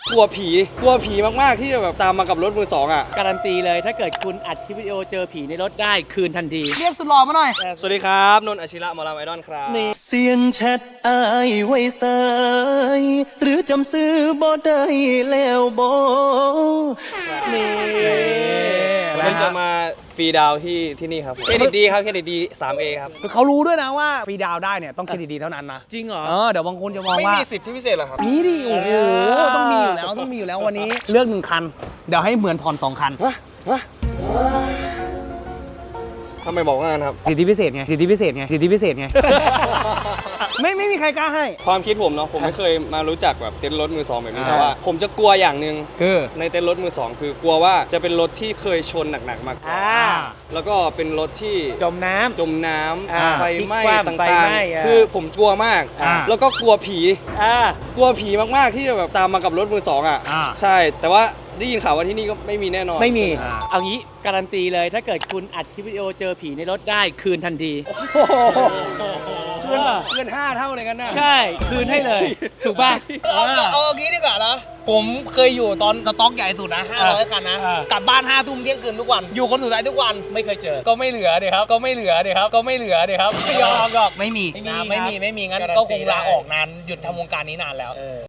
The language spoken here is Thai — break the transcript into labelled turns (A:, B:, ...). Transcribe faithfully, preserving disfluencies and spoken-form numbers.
A: กลัวผีกลัวผีมากๆที่จะแบบตามมากับรถมือสองอ่ะ
B: การันตีเลยถ้าเกิดคุณอัดคลิปวิดีโอเจอผีในรถได้คืนทันที
C: เรียกสุดหล่อมาหน่อย
A: สวัสดีครับนนท์อาชิระหมอลำไอดอลครับ
B: นี่
D: เสียงแชทอายไว้สายหรือจำซื้อบ่ได้แล้วบ่
B: นี่
A: วันนี้จะมาฟรีดาวที่ที่นี่ครับเครดิตดีครับเครดิตดี ทรี เอ ครับ
C: คือเขารู้ด้วยนะว่าฟรีดาวได้เนี่ยต้องเครดิตดีเท่านั้นนะ
B: จริงเหรอ
C: เออเดี๋ยวบางคนจะมอง
A: ไม่
C: ว่า
A: มีสิทธิพิเศษเหรอครับ
C: นี่ดิโอ้โห
B: อ่า
C: ต้องมีอยู่แล้วต้องมีอยู่แล้ววันนี้เลือกหนึ่งคัน เดี๋ยวให้เหมือนผ่อนสองคัน
A: ฮะฮะทำไมบอกว่างั้นครับ
C: สิทธิพิเศษไงสิทธิพิเศษไงสิทธิพิเศษไง ไม่ไม่มีใครกล้าให้
A: ความคิดผมเนาะผมไม่เคยมารู้จักแบบเต้นรถมือสองแบบนี้
C: อ่า
A: แต่ว่าผมจะกลัวอย่างหนึ่ง
C: คือ
A: ในเต้นรถมือสองคือกลัวว่าจะเป็นรถที่เคยชนหนักๆมาก่อน
B: อ่า
A: แล้วก็เป็นรถที่
B: จมน้ำ
A: จมน้
B: อ่า
A: ำไฟไหม้
B: พลิกคว่ำ
A: ต
B: ไฟ่
A: าง
B: ไหม้อ่ะ
A: ๆ คือผมกลัวมาก
C: อ่า
A: แล้วก็กลัวผี
B: อ่าก
A: ลัวผีมากๆที่จะแบบตามมากับรถมือสองอ่ะ
C: อ่า
A: ใช่ แต่ว่าได้ยินข่าวว่าที่นี่ก็ไม่มีแน่นอน
B: ไม่มี
C: อ่า
B: เอางี้การันตีเลยถ้าเกิดคุณอัดคลิปวิดีโอเจอผีในรถได้คืนทันที
A: เกินเกินห้าเท่าเลยกันนะ
B: ใช่คืนให้เลย ถูกป่ะ
C: เอาเอาเอาเอางี้ดีกว่านะผมเคยอยู่ตอนสต็อกใหญ่สุดนะห้าร้อยคันนะ
B: อ่าก
C: ลับบ้านห้าทุ่มเที่ยงคืนทุกวัน อยู่คนสุดท้ายทุกวัน
B: ไม่เคยเจอ
C: ก็ไม่เหลือเดี๋ยครับ ก็ไม่เหลือเดี๋ยครับ ก็ไม่เหลือเดี๋ยครับยอมยอมไม่มี
B: ไม่มี
C: นะไม่มี
B: ครับ
C: ไม่มีงั้น
B: การันตี
C: ก็คงลา
B: ได้
C: ออกนานหยุดทำวงการนี้นานแล้ว
B: เออ